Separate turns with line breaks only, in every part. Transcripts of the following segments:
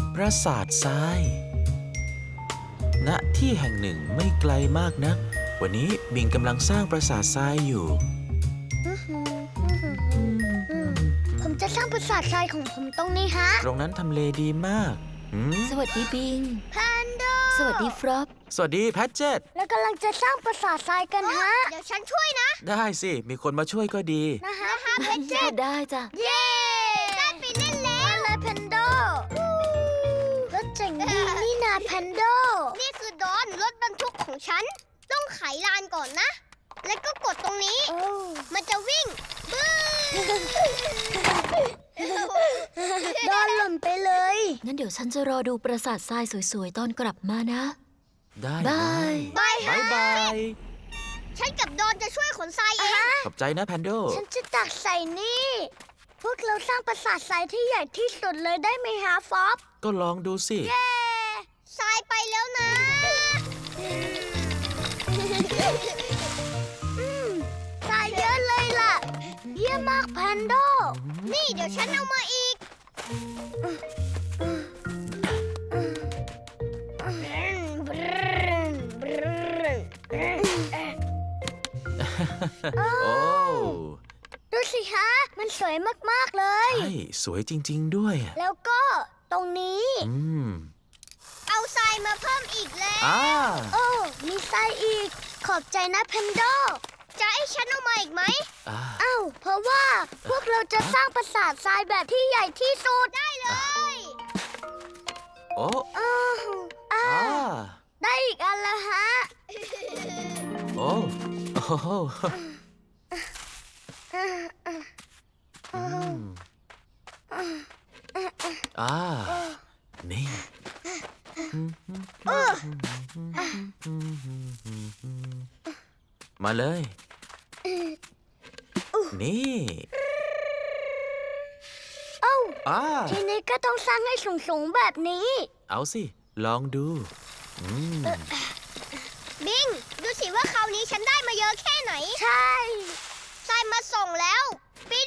ปราสาททราย ณ ที่แห่งหนึ่งไม่ไกลมากนัก วันนี้บิงกำลังสร้างปราสาททรายอยู่
ผมจะสร้างปราสาททรายของผมตรงนี้ฮะ
ตรงนั้นทำเลดีมาก
สวัสดีบิง
แพนโด
สวัสดีฟรอป
สวัสดีแพทเจต
แล้วกำลังจะสร้างปราสาททรายกันฮะ เดี๋ยวฉันช่วยนะ
ได้สิ มีคนมาช่วยก็ดี
นะฮะแพนโด
ได้จ้ะ
เย้ได้ไปเล่นแล้วเลยแพนโดรถเจ๋งดีนี่นาแพนโดนี่คือดอนรถบรรทุกของฉัน ต้องไขลานก่อนนะ แล้วก็กดตรงนี้ มันจะวิ่งบึ้งดอนหล่นไปเลย
งั้นเดี๋ยวฉันจะรอดูปราสาททรายสวยๆ ตอนกลับมานะ
ได้
บาย
บายบาย
ฉันกับดอนจะช่วยขนทรายเอง
ขอบใจนะแพนโด
ฉันจะตักใส่นี่ พวกเราสร้างปราสาททรายที่ใหญ่ที่สุดเลยได้ไหมฮะฟอบ
ก็ลองดูสิ
ทรายไปแล้วนะทรายเยอะเลยล่ะ เยี่ยมมากแพนโด นี่เดี๋ยวฉันเอามาอีก
โอ้
ดูสิฮะ มันสวยมากๆเลย
ใช่สวยจริงๆด้วย
แล้วก็ตรงนี้ เอาทรายมาเพิ่มอีกแล้ว โอ้ มีทรายอีก ขอบใจนะแพนโด จะให้ฉันเอามาอีกไหม อ้าว เพราะว่าพวกเราจะสร้างปราสาททรายแบบที่ใหญ่ที่สุด ได้เลย
โอ้
ได้อีกอันแล้วฮะ
โอ้โอ้โหนี่ มาเลย นี่
เอ้า
อ่า
ทีนี้ก็ต้องสร้างให้สูงๆแบบนี้
เอาสิ ลองดู
บิง ดูสิว่าคราวนี้ฉันได้มาเยอะแค่ไหน ใช่ทรายมาส่งแล้ว ปีน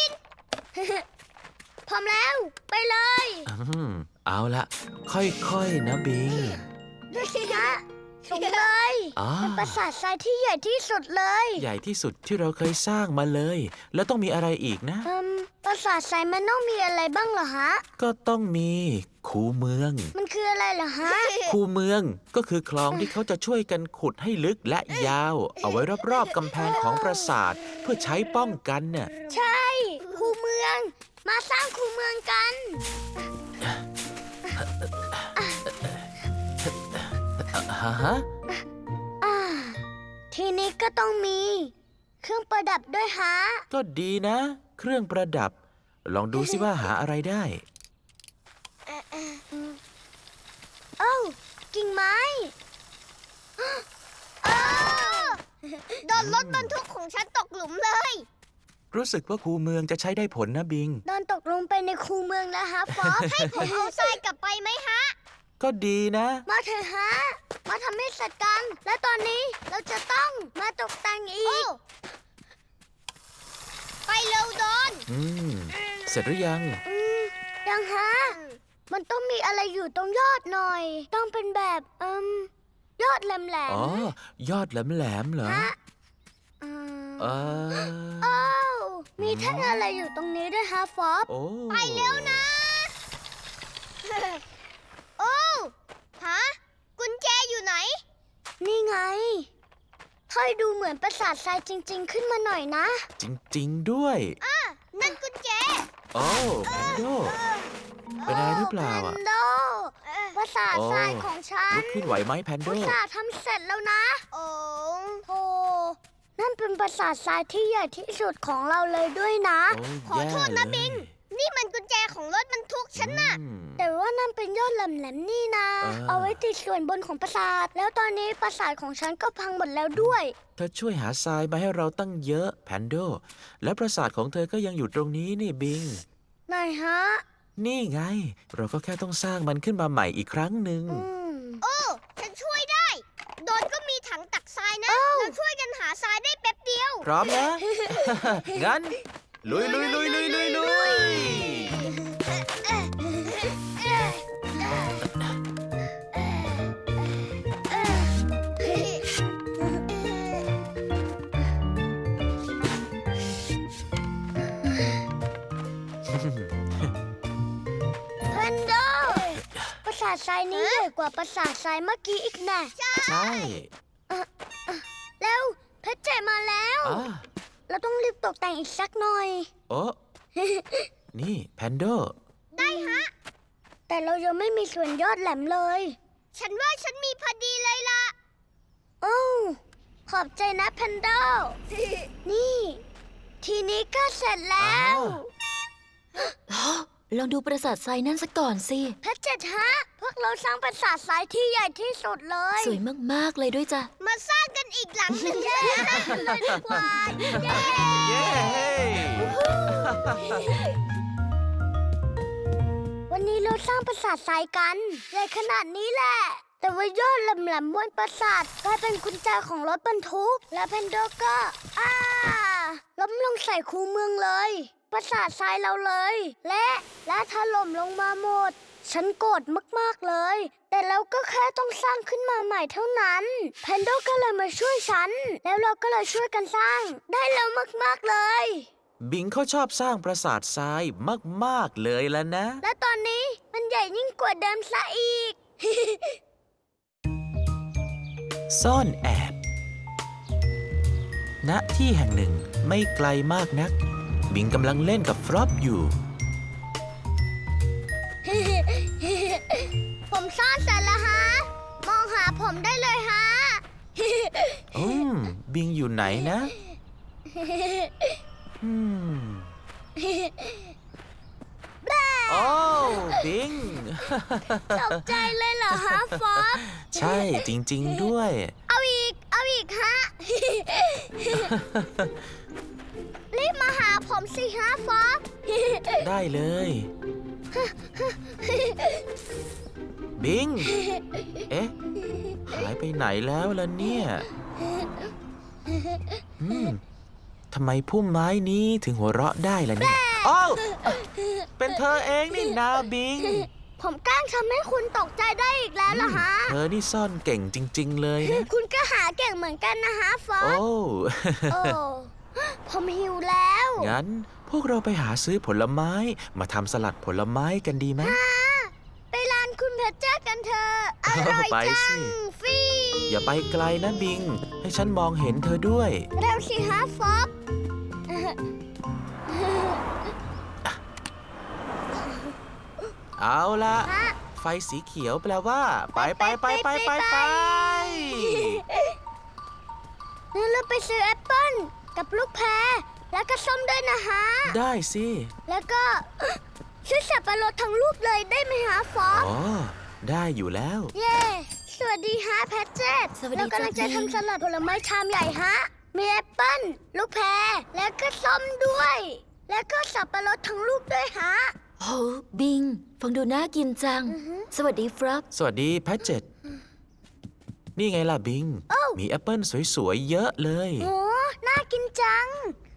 พร้อมแล้ว ไปเลย
เอาละค่อยๆนะบิง
ดูสิฮะสูงเลย เป็นปราสาททรายที่ใหญ่ที่สุดเลย
ใหญ่ที่สุดที่เราเคยสร้างมาเลย แล้วต้องมีอะไรอีกนะ
ปราสาททรายมันต้องมีอะไรบ้างเหรอฮะ
ก็ต้องมีคูเมือง
มันคืออะไรเหรอฮะ
คูเมืองก็คือคลองที่เขาจะช่วยกันขุดให้ลึกและยาว เอาไว้รอบๆกำแพงของปราสาทเพื่อใช้ป้องกันน่ะ
ใช่คูเมือง มาสร้างคูเมืองกัน
ฮะ
ทีนี้ก็ต้องมีเครื่องประดับด้วยฮะ
ก็ดีนะ เครื่องประดับ ลองดูสิว่าหาอะไรได้
เอ้ากิ่งไม้โดนรถบรรทุกของฉันตกหลุมเลย
รู้สึกว่าคูเมืองจะใช้ได้ผลนะบิง
โดนตกลงไปในคูเมืองแล้วฮะฟอบ ให้ผมเอาทรายกลับไปไหมฮะ
ก็ดีนะ
มาเถอะฮะ มาทำให้เสร็จกัน และตอนนี้เราจะต้องมาตกแต่งอีก ไปเร็วดอน
เสร็จหรือยัง
ยังฮะ มันต้องมีอะไรอยู่ตรงยอดหน่อย ต้องเป็นแบบยอดแหลม
อ๋อ ยอดแหลมๆเหรอ
ฮะ อ้าวมีแท่งอะไรอยู่ตรงนี้ด้วยฮะฟอบ
โอ้
ไปเร็วนะ โอ้ฮะกุญแจอยู่ไหน นี่ไงค่อยดูเหมือนปราสาททรายจริงๆขึ้นมาหน่อยนะ
จริงๆด้วย
นั่นกุญแจ
โอ้แพนโด เป็นอะไรหรือเปล่าอ่ะ
แพนโดปราสาททรายของฉัน
ลุกขึ้นไหวไหมแพนโด
ปราสาททำเสร็จแล้วนะ โอ้โหนั่นเป็นปราสาททรายที่ใหญ่ที่สุดของเราเลยด้วยนะ
ขอโทษนะบิง
นี่มันกุญแจของรถบรรทุกฉันน่ะ แต่ว่านั่นเป็นยอดแหลมๆนี่นะ เอาไว้ติดส่วนบนของปราสาท แล้วตอนนี้ปราสาทของฉันก็พังหมดแล้วด้วย
เธอช่วยหาทรายมาให้เราตั้งเยอะแพนโด และปราสาทของเธอก็ยังอยู่ตรงนี้นี่บิง
ไหนฮะ
นี่ไง เราก็แค่ต้องสร้างมันขึ้นมาใหม่อีกครั้งหนึ่ง
โอ้ฉันช่วยได้ โดนก็มีถังตักทรายนะ เราช่วยกันหาทรายได้แป๊บเดียว
พร้อมนะ งั้น ลุยลุยลุยลุยลุยลุย
สาททรายนี้ใหญ่กว่าปราสาททรายเมื่อกี้อีกแน่
ใช่
แล้วเพชรเจมาแล้ว
อ่า
เราต้องรีบตกแต่งอีกสักหน่อย
โอ้ นี่แพนโด
ได้ฮะ แต่เรายังไม่มีส่วนยอดแหลมเลย ฉันว่าฉันมีพอดีเลยล่ะ โอ้ขอบใจนะแพนโด นี่ ทีนี้ก็เสร็จแล้ว
ลองดูปราสาททรายนั่นสักก่อนสิ
เพชรเจ็ดฮะ พวกเราสร้างปราสาททรายที่ใหญ่ที่สุดเลย
สวยมากๆเลยด้วยจ้ะ
มาสร้างกันอีกหลังหนึ่งเลยดีกว่าเย้
เย้
วันนี้เราสร้างปราสาททรายกันใหญ่ขนาดนี้แหละ แต่ว่ายอดแหลมๆบนปราสาทกลายเป็นกุญแจของรถบรรทุก และเพนโดก็ล้มลงใส่คูเมืองเลยปราสาททรายเราเลย และถล่มลงมาหมด ฉันโกรธมากๆเลย แต่เราก็แค่ต้องสร้างขึ้นมาใหม่เท่านั้นเพนโดก็เลยมาช่วยฉัน แล้วเราก็เลยช่วยกันสร้าง ได้แล้วมากๆเลย
บิงเขาชอบสร้างปราสาททรายมากๆเลยแล้วนะ
และตอนนี้มันใหญ่ยิ่งกว่าเดิมซะอีก
ซ่อนแอบ ณ ที่แห่งหนึ่งไม่ไกลมากนัก บิงกำลังเล่นกับฟรอปอยู่
ผมซ่อนเสร็จแล้วฮะ มองหาผมได้เลยฮะ
บิงอยู่ไหนนะโอ้บิง
ตกใจเลยเหรอฮะฟอบ
ใช่จริง ๆ ด้วย
เอาอีกฮะ รีบมาหาผมสิฮะฟอบ
ได้เลย บิง เอ๊ะ หายไปไหนแล้วล่ะเนี่ยทำไมพุ่มไม้นี้ถึงหัวเราะได้ล่ะเนี่ยอ้าวเป็นเธอเองนี่นาบิง
ผมแกล้งทำให้คุณตกใจได้อีกแล้วเหรอฮะ
เธอนี่ซ่อนเก่งจริง ๆ เลยนะ
คุณก็หาเก่งเหมือนกันนะฮะฟอบ
โอ้
โอ้ ผมหิวแล้ว
งั้นพวกเราไปหาซื้อผลไม้มาทำสลัดผลไม้กันดีไหม
ไปร้านคุณเพชรเจ้ากันเถอะอร่อย
ไป
จั
สิ
งฟรี
อย่าไปไกลนะบิง ให้ฉันมองเห็นเธอด้วย
เร็วสิฮะฟอบ
เอาละ
ฮะ
ไฟสีเขียวแปลว่า ไปไปไปไปไปไป
งั้นเราไปซื้อแอปเปิ้ลกับลูกแพรแล้วก็ส้มด้วยนะฮะ
ได้สิ
แล้วก็ ซื้อสับปะรดทั้งลูกเลยได้ไหมฮะฟอบ
อ๋อ ได้อยู่แล้ว
เย้ สวัสดีฮะแพทเจต
สวัสดี
เรากำลังจะ
จ้ะพี่
ทำสลัดผลไม้ชามใหญ่ฮะ มีแอปเปิ้ลลูกแพรแล้วก็ส้มด้วย แล้วก็สับปะรดทั้งลูกด้วยฮะ
โหบิง ฟังดูน่ากินจัง สวัสดีฟรับ
สวัสดีแพทเจตนี่ไงล่ะบิง มีแอปเปิลสวยๆ เยอะเลย
โอ้ น่ากินจัง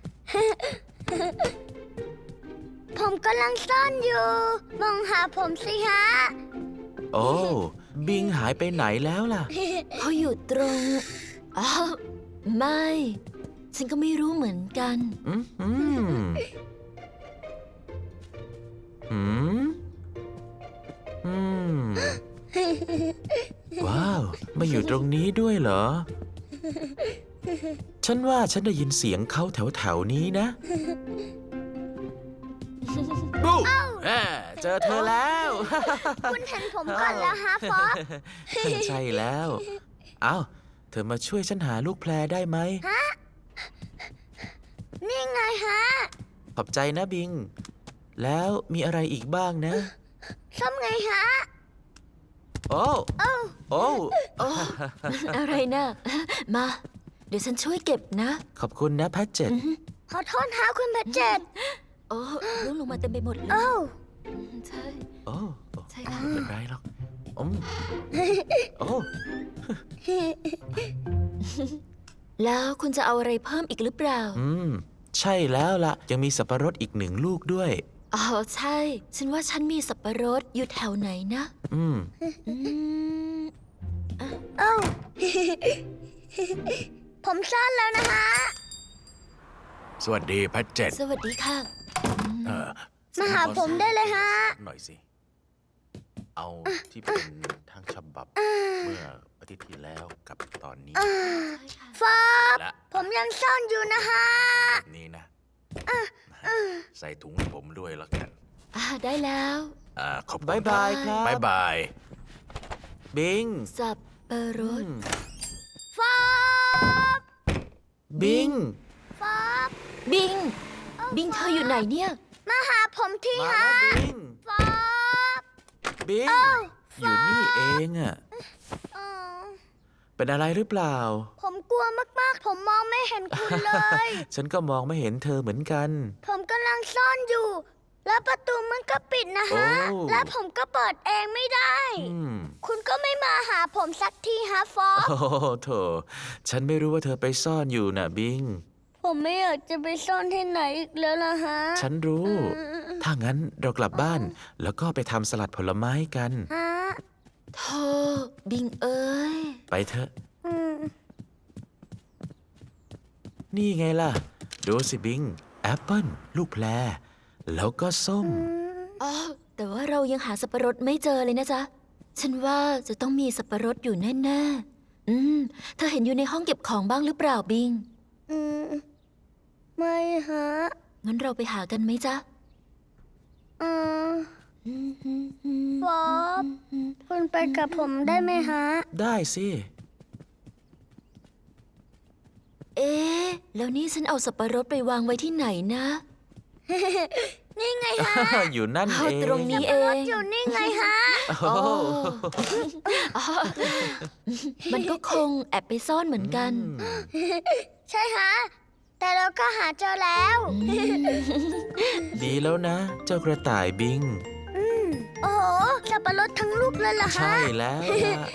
ผมกำลังซ่อนอยู่ มองหาผมสิฮะ
โอ้ บิงหายไปไหนแล้วล่ะ
เขาอยู่ตรงอ้าวไม่ ฉันก็ไม่รู้เหมือนกัน
อืมอืมอืมอืมว้าว มาอยู่ตรงนี้ด้วยเหรอ ฉันว่าฉันได้ยินเสียงเขาแถวๆนี้นะบูเจอเธอแล้ว
คุณเห็นผมก่อนแล้วฮะฟอบ
ใช่แล้ว เอ้า เธอมาช่วยฉันหาลูกแพรได้ไหม
นี่ไงฮะ
ขอบใจนะบิง แล้วมีอะไรอีกบ้างนะ
ส้มไงฮะ
โอ้
โอ้
โอ้
โอ้อะไรนะ มา เดี๋ยวฉันช่วยเก็บนะ
ขอบคุณนะแพทเจ็ต
ขอโทษฮะคุณเพชรเจต
โอ้ร่วงลงมาเต็มไปหมดเลย
โอ้
ใช่
โอ้
ใช่ค่ะ
ไม่เป็นไรหรอกโอ้
แล้วคุณจะเอาอะไรเพิ่มอีกหรือเปล่า
ใช่แล้วล่ะ ยังมีสับปะรดอีก1 ลูกด้วย
อ๋อใช่ ฉันว่าฉันมีสับปะรดอยู่แถวไหนนะ
อืม
อืม
โอ้ ผมซ่อนแล้วนะฮะ
สวัสดีแพทเจ็ต
สวัสดีค่ะ
เออ
มาหาผมได้เลยฮะ
หน่อยสิเอาที่เป็นทั้งฉบับเมื่ออาทิตย์ที่แล้วกับตอนนี้
ฟอบ
และ
ผมยังซ่อนอยู่นะฮะ
แบบนี้นะ ใส่ถุงให้ผมด้วยแล้วกัน
ได้แล้ว
ขอบคุณ
บายบายครับ
บายบาย
บิง
สับปะรด
ฟอบ
บิง
ฟอบ
บิง บิงเธออยู่ไหนเนี่ย
มาหาผมที
มา
ฮะ
แล้วบิง
ฟอบ
บิง อยู่นี่เองอะ
อ๋อ
เป็นอะไรหรือเปล่า
ผมกลัวมากๆ ผมมองไม่เห็นคุณเลย
ฉันก็มองไม่เห็นเธอเหมือนกัน
ผมกำลังซ่อนอยู่ แล้วประตูมันก็ปิดนะฮะ
โอ้
และผมก็เปิดเองไม่ได้
อืม
คุณก็ไม่มาหาผมสักทีฮะฟอบ
โอ้โถฉันไม่รู้ว่าเธอไปซ่อนอยู่น่ะบิง
ผมไม่อยากจะไปซ่อนที่ไหนอีกแล้วล่ะฮะ
ฉันรู้ ถ้างั้นเรากลับบ้าน แล้วก็ไปทำสลัดผลไม้กัน
ฮะ
โธ่บิงเอ้ย
ไปเถอะ
อืม
นี่ไงล่ะ ดูสิบิง แอปเปิ้ล ลูกแพร แล้วก็ส้ม
อ๋อ แต่ว่าเรายังหาสับปะรดไม่เจอเลยนะจ๊ะ ฉันว่าจะต้องมีสับปะรดอยู่แน่ๆเธอเห็นอยู่ในห้องเก็บของบ้างหรือเปล่าบิง
อืมไม่ฮะ
งั้นเราไปหากันไหมจ๊ะ
อืมฟอบคุณไปกับผมได้ไหมฮะ
ได้สิ
เอ๊ะ แล้วนี่ฉันเอาสับปะรดไปวางไว้ที่ไหนนะ
นี่ไงฮะ
อยู่นั่น
เอา
เอง
ตรงนี้เอ
รง ถอยู่นี่ไงฮะ
โอ้โห
อ๋อมันก็คงแอบไปซ่อนเหมือนกัน
ใช่ฮะ แต่เราก็หาเจอแล้ว
ดีแล้วนะ เจ้ากระต่ายบิง
โอ้โหสับปะรดทั้งลูกเลยเหรอฮะ
ใช่แล้วล่ะ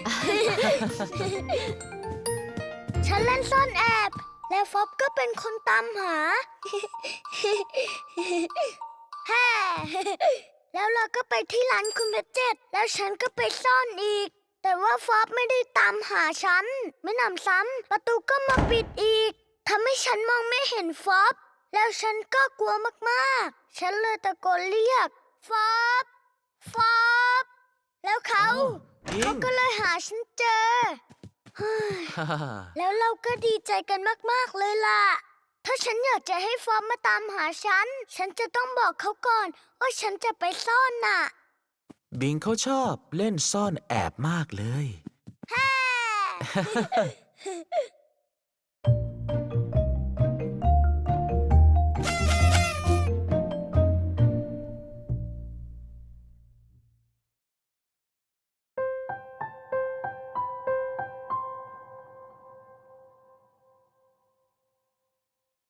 ฉันเล่นซ่อนแอบ และฟอบก็เป็นคนตามหา แฮ่ แล้วเราก็ไปที่ร้านคุณเพชรเจ็ดแล้วฉันก็ไปซ่อนอีก แต่ว่าฟอบไม่ได้ตามหาฉัน ไม่นำซ้ำประตูก็มาปิดอีกทำให้ฉันมองไม่เห็นฟอบ แล้วฉันก็กลัวมากๆ ฉันเลยตะโกนเรียก ฟอบ ฟอบ แล้วเขา
บิง
ก็เลยหาฉันเจอ แล้วเราก็ดีใจกันมาก ๆ เลยล่ะ ถ้าฉันอยากจะให้ฟอร์มมาตามหาฉัน ฉันจะต้องบอกเขาก่อนว่าฉันจะไปซ่อนน่ะ
บิงเขาชอบเล่นซ่อนแอบมากเลย
แฮ่